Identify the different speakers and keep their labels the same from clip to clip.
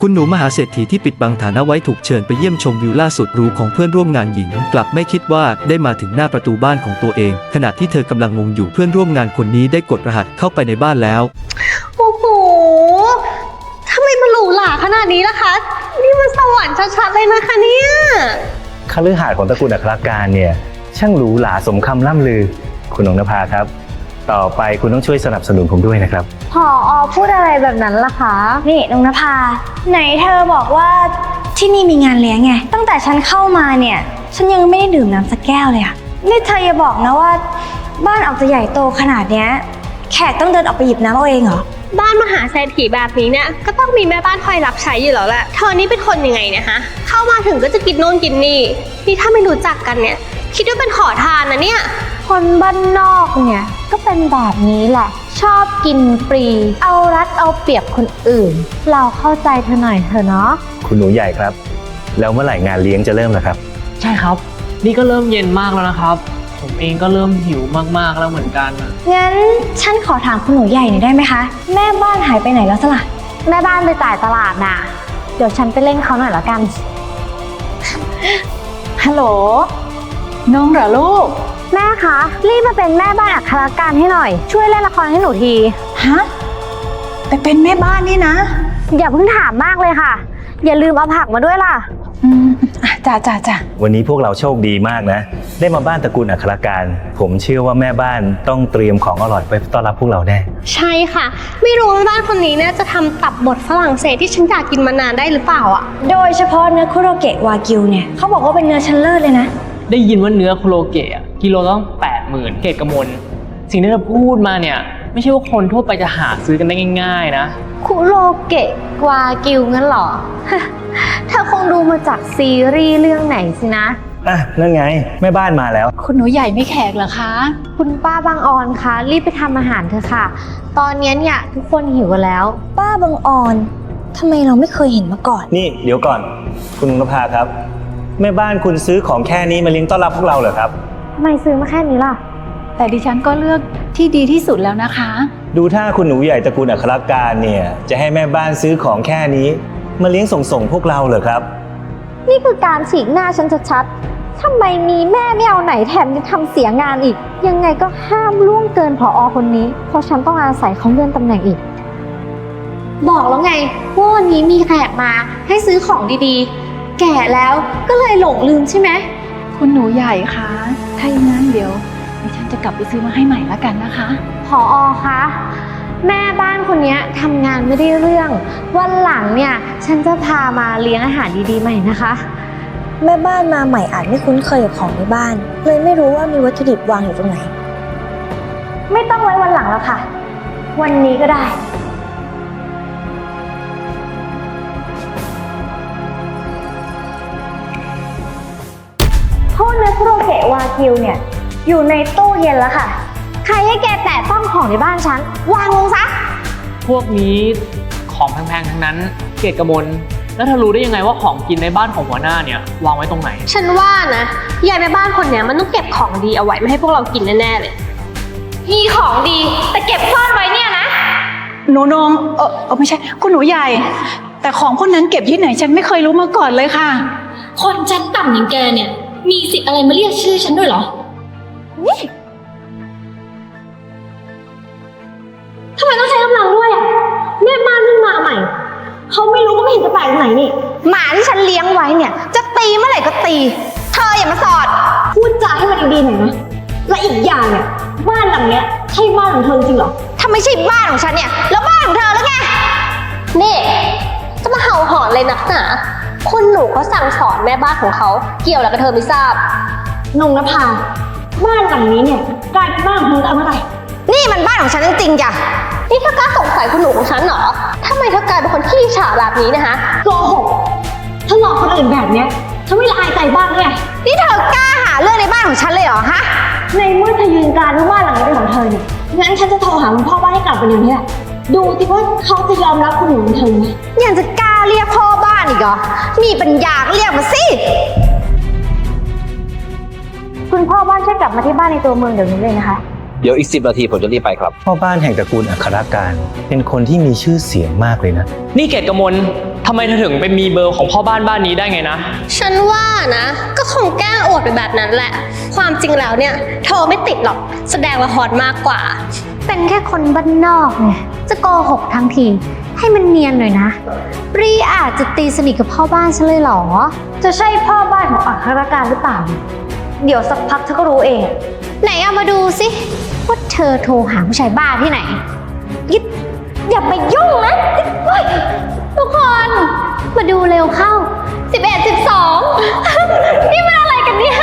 Speaker 1: คุณหนูมหาเศรษฐีที่ปิดบังฐานะไว้ถูกเชิญไปเยี่ยมชมวิวล่าสุดหรูของเพื่อนร่วมงานหญิงกลับไม่คิดว่าได้มาถึงหน้าประตูบ้านของตัวเองขณะที่เธอกำลังงงอยู่เพื่อนร่วมงานคนนี้ได้กดรหัสเข้าไปในบ้านแล้ว
Speaker 2: โอ้โหทำไมมันหรูหราขนาดนี้ล่ะคะนี่มันสวรรค์ชัดๆเลยนะคะเนี่ย
Speaker 3: คฤหาสน์ของตระกูลอัครการเนี่ยช่างหรูหราสมคำล่ำลือคุณนงนภาครับต่อไปคุณต้องช่วยสนับสนุนผมด้วยนะครับ
Speaker 2: ผอ.พูดอะไรแบบนั้นล่ะคะ
Speaker 4: นี่นงนภาไหนเธอบอกว่าที่นี่มีงานเลี้ยงไงตั้งแต่ฉันเข้ามาเนี่ยฉันยังไม่ได้ดื่มน้ำสักแก้วเลยอะนี่เธออย่าบอกนะว่าบ้านออกจะใหญ่โตขนาดเนี้ยแขกต้องเดินออกไปหยิบน้ำเอาเองเหรอ
Speaker 2: บ้านมหาเศรษฐีแบบนี้เนี่ยก็ต้องมีแม่บ้านคอยรับใช้อยู่แล้วแหละเธอนี่เป็นคนยังไงเนี่ยฮะเข้ามาถึงก็จะกินโน่นกินนี่ถ้าไม่รู้จักกันเนี่ยคิดว่าเป็นขอทานนะเนี่ย
Speaker 4: คนบ้านนอกเนี่ยก็เป็นแบบนี้แหละชอบกินฟรีเอารัดเอาเปรียบคนอื่นเราเข้าใจเธอหน่อยเถอะเนาะ
Speaker 3: คุณหนูใหญ่ครับแล้วเมื่อไหร่งานเลี้ยงจะเริ่มล่ะครับ
Speaker 5: ใช่ครับนี่ก็เริ่มเย็นมากแล้วนะครับผมเองก็เริ่มหิวมากๆแล้วเหมือนกัน
Speaker 4: งั้นฉันขอถามคุณหนูใหญ่หน่อยได้ไหมคะแม่บ้านหายไปไหนแล้วสล่ะ
Speaker 2: แม่บ้านไปจ่ายตลาดน่ะเดี๋ยวฉันไปเล่นเขาหน่อยละกัน
Speaker 6: ฮัลโหลน้องเหรอลูก
Speaker 2: แม่คะรีบมาเป็นแม่บ้านอัครการให้หน่อยช่วยเล่นละครให้หนูที
Speaker 6: ฮะไปเป็นแม่บ้านนี่นะ
Speaker 2: อย่าเพิ่งถามมากเลยค่ะอย่าลืมเอาผักมาด้วยล่ะ
Speaker 6: จ้า
Speaker 3: วันนี้พวกเราโชคดีมากนะได้มาบ้านตระกูลอัครการผมเชื่อว่าแม่บ้านต้องเตรียมของอร่อยไปต้อนรับพวกเราแน่
Speaker 2: ใช่ค่ะไม่รู้แม่บ้านคนนี้เนี่ยจะทำตับบดฝรั่งเศสที่ฉันอยากกินมานานได้หรือเปล่าอ่ะ
Speaker 4: โดยเฉพาะเนื้อคุโรเกะวากิวเนี่ยเขาบอกว่าเป็นเนื้อชั้นเลิศเลยนะ
Speaker 5: ได้ยินว่าเนื้อคุโรเกะกิโลต้อง80,000เกตกมลสิ่งที่เธอพูดมาเนี่ยไม่ใช่ว่าคนทั่วไปจะหาซื้อกันได้ง่ายๆนะ
Speaker 2: คุโรเกะวากิวงั้นหรอเธอคงดูมาจากซีรีส์เรื่องไหนสินะ
Speaker 3: นั่นไงแม่บ้านมาแล้ว
Speaker 6: คุณหนูใหญ่ไม่แขกเหรอคะ
Speaker 2: คุณป้าบางออนคะรีบไปทำอาหารเถอะค่ะตอนนี้เนี่ยทุกคนหิวกันแล้ว
Speaker 4: ป้าบางออนทำไมเราไม่เคยเห็นมาก่อน
Speaker 3: นี่เดี๋ยวก่อนคุณนภาครับแม่บ้านคุณซื้อของแค่นี้มาเลี้ยงต้อนรับพวกเราเหรอครับ
Speaker 2: ทำไมซื้อมาแค่นี้ล่ะ
Speaker 6: แต่ดิฉันก็เลือกที่ดีที่สุดแล้วนะคะ
Speaker 3: ดูถ้าคุณหนูใหญ่ตระกูลอัครการเนี่ยจะให้แม่บ้านซื้อของแค่นี้มาเลี้ยงส่งพวกเราเหรอครับ
Speaker 2: นี่คือการฉีกหน้าฉันชัดๆทำไมมีแม่ไม่เอาไหนแถมยังทำเสียงานอีกยังไงก็ห้ามล่วงเกินผอ.คนนี้เพราะฉันต้องอาศัยเขาเลื่อนตำแหน่งอีกบอกแล้วไงว่าวันนี้มีแขกมาให้ซื้อของดีๆแก่แล้วก็เลยหลงลืมใช่ไหม
Speaker 6: คุณหนูใหญ่คะถ้าอย่างนั้นเดี๋ยวดิฉันจะกลับไปซื้อมาให้ใหม่แล้วกันนะคะ
Speaker 2: ผอ.คะแม่บ้านคนนี้ทำงานไม่ได้เรื่องวันหลังเนี่ยฉันจะพามาเลี้ยงอาหารดีๆใหม่นะคะ
Speaker 4: แม่บ้านมาใหม่อาจไม่คุ้นเคยกับของในบ้านเลยไม่รู้ว่ามีวัตถุดิบวางอยู่ตรงไหน
Speaker 2: ไม่ต้องไว้วันหลังแล้วค่ะวันนี้ก็ได้โทษเนื้อคุโรเกะวากิวเนี่ยอยู่ในตู้เย็นแล้วค่ะใครให้แกแตะต้องของในบ้านฉันวางลงซะ
Speaker 5: พวกนี้ของแพงๆทั้งนั้นเกตกมลแล้วเธอรู้ได้ยังไงว่าของกินในบ้านของหัวหน้าเนี่ยวางไว้ตรงไหน
Speaker 2: ฉันว่านะยายแม่บ้านคนเนี้ยมันต้องเก็บของดีเอาไว้ไม่ให้พวกเรากินแน่ๆเลยมีของดีแต่เก็บซ่อนไว้เนี่ยนะ
Speaker 6: หนูนงไม่ใช่คุณหนูใหญ่แต่ของพวกนั้นเก็บที่ไหนฉันไม่เคยรู้มาก่อนเลยค่ะ
Speaker 7: คนชั้นต่ำอย่างแกเนี่ยมีสิทธิ์อะไรมาเรียกชื่อฉันด้วยเหรอ
Speaker 2: นี่ทำไมต้องใช้กำลังด้วยอ่ะแม่บ้านเพิ่งมาใหม่เขาไม่รู้ก็ไม่เห็นจะแปลกตรงไหนนี่หมาที่ฉันเลี้ยงไว้เนี่ยจะตีเมื่อไหร่ก็ตีเธออย่ามาสอดพูดจาให้มันดีๆหน่อยนะและอีกอย่างเนี่ยบ้านหลังเนี้ยใช่บ้านของเธอจริงเหรอถ้าไม่ใช่บ้านของฉันเนี่ยแล้วบ้านของเธอแล้วไงนี่จะมาเห่าหอนเลยนักหนาคุณหนูเขาสั่งสอนแม่บ้านของเขาเกี่ยวอะไรกับเธอไม่ทราบนงนภาบ้านหลังนี้เนี่ยกลายเป็นบ้านของเธอเอาเมื่อไหร่นี่มันบ้านของฉันจริงๆจ้ะนี่เธอกล้าสงสัยคุณหนูของฉันเหรอทำไมเธอกลายเป็นคนขี้ฉาแบบนี้นะคะโกหกถ้าหลอกคนอื่นแบบเนี้ยเธอไม่ละอายใจบ้างไงนี่เธอกล้าหาเรื่องในบ้านของฉันเลยเหรอฮะในเมื่อเธอยืนการว่าบ้านหลังนี้เป็นของเธอเนี่ยงั้นฉันจะโทรหาคุณพ่อบ้านให้กลับไปเดี๋ยวนี้แหละดูสิว่าเขาจะยอมรับคุณหนูของเธอไหมยังจะกล้าเรียกพ่อบ้านอีกเหรอมีปัญญาเรียกมาสิคุณพ่อบ้านช่วยกลับมาที่บ้านในตัวเมืองเดี๋ยวนี้เลยนะคะ
Speaker 8: เดี๋ยวอีก10 นาทีผมจะรีบไปครับ
Speaker 3: พ่อบ้านแห่งตระกูลอัครการเป็นคนที่มีชื่อเสียงมากเลยนะ
Speaker 5: นี่เกตกมลทำไมเธอถึงไปมีเบอร์ของพ่อบ้านบ้านนี้ได้ไงนะ
Speaker 2: ฉันว่านะก็คงแกล้งอวดไปแบบนั้นแหละ ความจริงแล้วเนี่ยโทรไม่ติดหรอกแสดงว่าฮอตมากกว่า
Speaker 4: เป็นแค่คนบ้านนอกไงจะโกหกทั้งทีให้มันเนียนหน่อยนะรีอาจจะตีสนิทกับพ่อบ้านฉันเลยเหรอ จะใช่พ่อบ้านของอัครการหรือเปล่า เดี๋ยวสักพักเธอก็รู้เอง ไหนเอามาดูสิว่าเธอโทรหาผู้ชายบ้าที่ไหนอย่ามายุ่งนะเฮ้ยทุกคนมาดูเร็วเข้า 11 12 นี่มันอะไรกันเนี่ย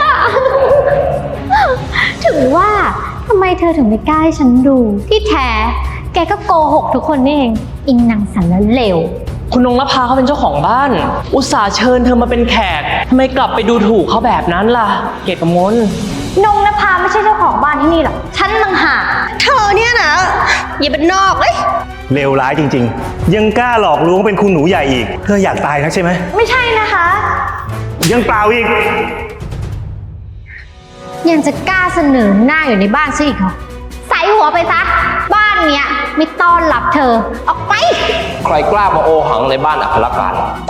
Speaker 4: ถึงว่าทำไมเธอถึงไม่กล้าให้ฉันดู ที่แท้แกก็โกหกทุกคนนี่เองอิงนางสันแล้วเลว
Speaker 5: คุณนงนภาเขาเป็นเจ้าของบ้าน อุตส่าห์เชิญเธอมาเป็นแขกทำไมกลับไปดูถูกเขาแบบนั้นล่ะ เกตกมล
Speaker 4: นงนภาไม่ใช่เจ้าของบ้านที่นี่หรอกฉันต่างหาก
Speaker 2: เธอเนี่ยนะอย่าเป็นนอกเลย
Speaker 3: เลวร้ายจริงๆ ยังกล้าหลอกลวงเป็นคุณหนูใหญ่อีก เธออยากตายนักใช่ไหม
Speaker 4: ไม่ใช่นะคะ
Speaker 3: ยังเปล่าอีก
Speaker 4: ยังจะกล้าเสนอหน้าอยู่ในบ้านซะอีกเหรอใส่หัวไปซะบ้านเนี้ยไม่ต้อนรับเธอออกไป
Speaker 8: ใครกล้ามาโอหังในบ้านอัครการ